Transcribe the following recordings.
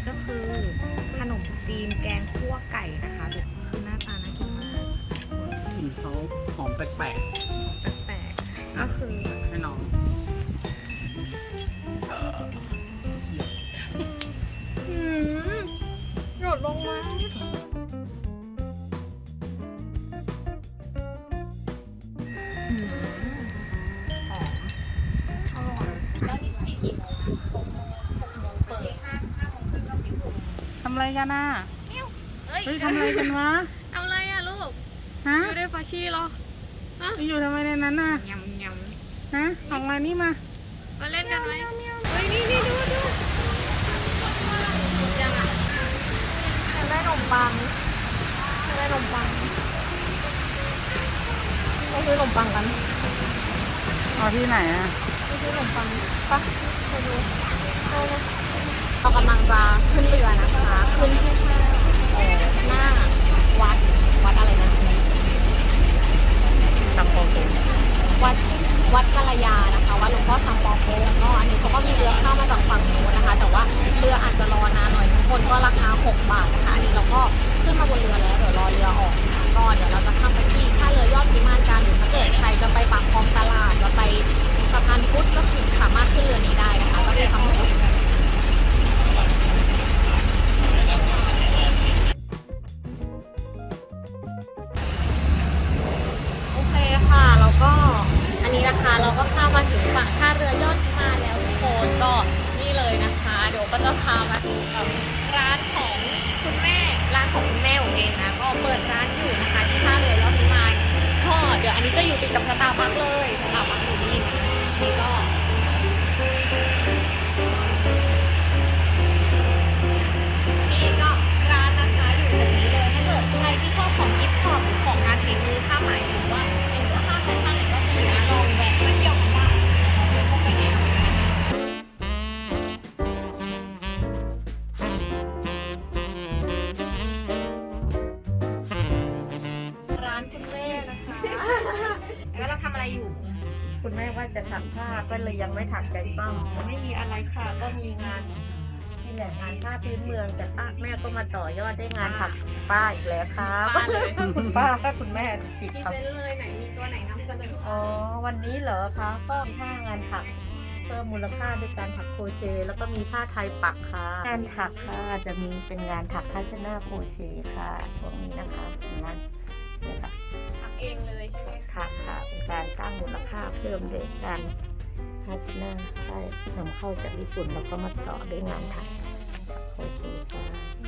ก็คือขนมจีนแกงคั่วไก่นะคะดูคือหน้าตาน่ากินมากกลิ่นเขาหอมแปลกแปลกๆก็คือๆให้น้องหยดลงมาหอมอร่อยแล้วนี่ปิดกี่โมงอะ6 โมงเปิด5 โมงครึ่งก็ปิดทำอะไรกันน่ะเฮ้ยเฮ้ยทำอะไรกันวะทำอะไรอะลูกฮะอยู่ในฟาชีเหรออยู่ทำไมในนั้นน่ะยำยฮะออกมานี่มามาเล่นกันไหมเฮ้ยนี่ดูยังอะำอยากได้ขนมปังอยากได้ขนมปังเราซื้อขนมปังกันเอาที่ไหนอ่ะเราซื้อขนมปังปะไปดูเอาเลยเรากำลังจะขึ้นเรือนะคะ ขึ้นที่หน้าวัดอะไรนะทำโปรตีนวัดกัลยานะคะวัดหลวงพ่อสัมปองโกก็อันนี้เขาก็มีเรือเข้ามาจากฝั่งนู้นนะคะ แต่ว่าเรืออาจจะรอนานหน่อยทุกคนก็ราคา6 บาทนะคะอันนี้เราก็ขึ้นมาบนเรือแล้วเดี๋ยวรอเรือออกนะคะก็เดี๋ยวเราจะข้ามไปที่ท่าเรือยอดพิมานกันหรือถ้าเกิดใครจะไปปากคลองตลาดจะไปสะพานพุทธก็คือสามารถขึ้นเรือนี้ได้นะคะก็มีคำพูดโอเคค่ะแล้วก็อันนี้นะคะเราก็ข้ามมาถึงฝั่งท่าเรือยอดพิมานแล้วทุกคนก็นี่เลยนะคะเดี๋ยวก็จะพามาดูร้านของคุณแม่ผมเองนะก็เปิดร้านอยู่นะคะที่ท่าเรือยอดพิมานก็เดี๋ยวอันนี้จะอยู่ติดกับสตาร์บัคเลยสตาร์บัคอยู่นี่นะนี่ก็นี่ก็ร้านนะคะอยู่ตรงนี้เลยถ้าเกิดใครที่ชอบของกิฟต์ช็อปหรือของงานฝีมือผ้าไหมหรือว่าเป็นเสื้อผ้าแฟชั่นอะไรก็มีนะลองแวะมาเที่ยวกันได้เข้าไปแนวร้านคุณแม่นะคะ แล้วเราทำอะไรอยู่คุณแม่ว่าจะถักผ้าก็เลยยังไม่ถักใจปั้มไม่มีอะไรค่ะก็มีงานนี่แหละงานผ้าพื้นเมืองแต่ป้าแม่ก็มาต่อยอดได้งานถักป้าอีกแล้วครับป้าเลยคุณป้าก็คุณแม่ติดพรีครับเซนต์เลยไหนมีตัวไหนนำเสนออ๋อวันนี้เหรอคะก็ผ้างานถักเพิ่มมูลค่าด้วยการถักโครเชต์แล้วก็มีผ้าไทยปักค่ะงานถักค่ะจะมีเป็นงานถักผ้าเชดหน้าโครเชต์ค่ะพวกนี้นะคะเป็นงานเนี่ยค่ะทำเองเลยใช่ไหมคะค่ะค่ะเป็นการสร้างมูลค่าเพิ่มโดยการผ้าเชดหน้าได้นำเข้าจากญี่ปุ่นแล้วก็มาต่อด้วยงานถักโอเคค่ะ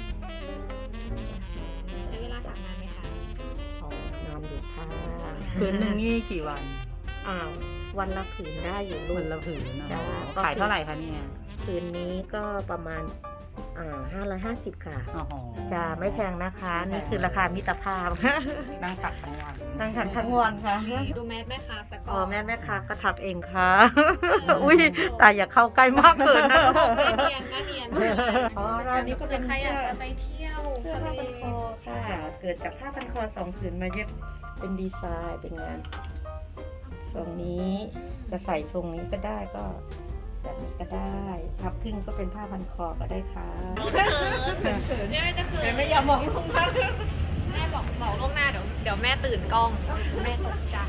ใช้เวลาทำนานไหมคะอ๋อนานอยู่ค่ะผืนหนึ่งนี่กี่วันวันละผืนได้อยู่ลูวักนละผืนนะจ้ะขายเท่าไหร่คะเนี่ยผืนนี้ก็ประมาณ550ค่ะอ๋อจะไม่แพงนะคะ นี่คือราคามิตรภาพนั่งถักทั้งวันนั่งถักทั้งวันค่ะดูแมสแม่ค้าสกอ๋ออร์แม่ค้าก็ถักเองค่ะ อุ้ยแต่อย่าเข้าใกล้มากเกินนะหน้าเนียนหน้าเนียนอ๋อร้านนี้ก็เป็นใครอยากจะไปเที่ยวเสื้อทะผ้าเลพันคอค่ะ เกิดจากผ้าพันคอ2 ผืนมาเย็บเป็นดีไซน์เป็นงานทรงนี้จะใส่ทรงนี้ก็ได้ก็แบบนี้ก็ได้พับครึ่งก็เป็นผ้าพันคอก็ได้ค่ะเขินเนี่ยจะเขินไม่ยอมมองลงมาแม่บอกล่วงหน้าเดี๋ยวแม่ตื่นกล้องแม่ตกใจ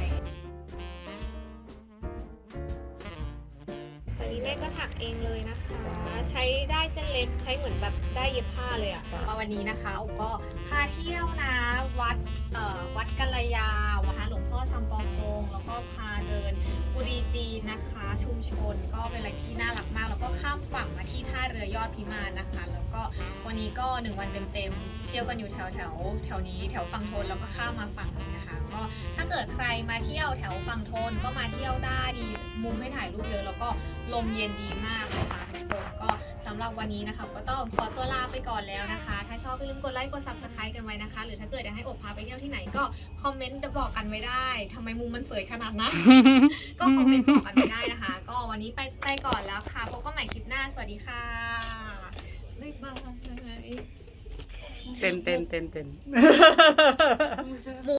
วันนี้แม่ก็ถักเองเลยนะคะ ใช้ได้เส้นเล็กใช้เหมือนแบบได้เย็บผ้าเลยอะมาวันนี้นะคะอุก็พาเที่ยวนะวัดกัลยาวัดหลวงพ่อซัมปองโกงแล้วก็พาเดินกุดีจีนนะคะ ชุมชนก็เป็นอะไรที่น่ารักมากแล้วก็ข้ามฝั่งมาที่ท่าเรือยอดพิมานนะคะ แล้วก็วันนี้ก็1 วันเต็มๆเที่ยวกันอยู่แถวนี้แถวฝั่งทนแล้วก็ข้ามมาฝั่งนี้นะคะก็ถ้าเกิดใครมาเที่ยวแถวฝั่งทนก็มาเที่ยวได้ดีมุมให้ถ่ายรูปเยอะแล้วก็ลมเย็นดีมากนะคะทุกคนก็สำหรับวันนี้นะคะก็ต้องขอตัวลาไปก่อนแล้วนะคะ ถ้าชอบอย่าลืมกดไลค์กด Subscribe กันไว้นะคะ หรือถ้าเกิดอยากให้อบพาไปเที่ยวที่ไหนก็คอมเมนต์จะบอกกันไว้ได้ทำไมมุมมันสวยขนาดนั้น ก็คอมเมนต์บอกกันไว้ได้นะคะ ก็วันนี้ไปก่อนแล้วค่ะพบกันใหม่คลิปหน้าสวัสดีค่ะบ๊ายบายเต้น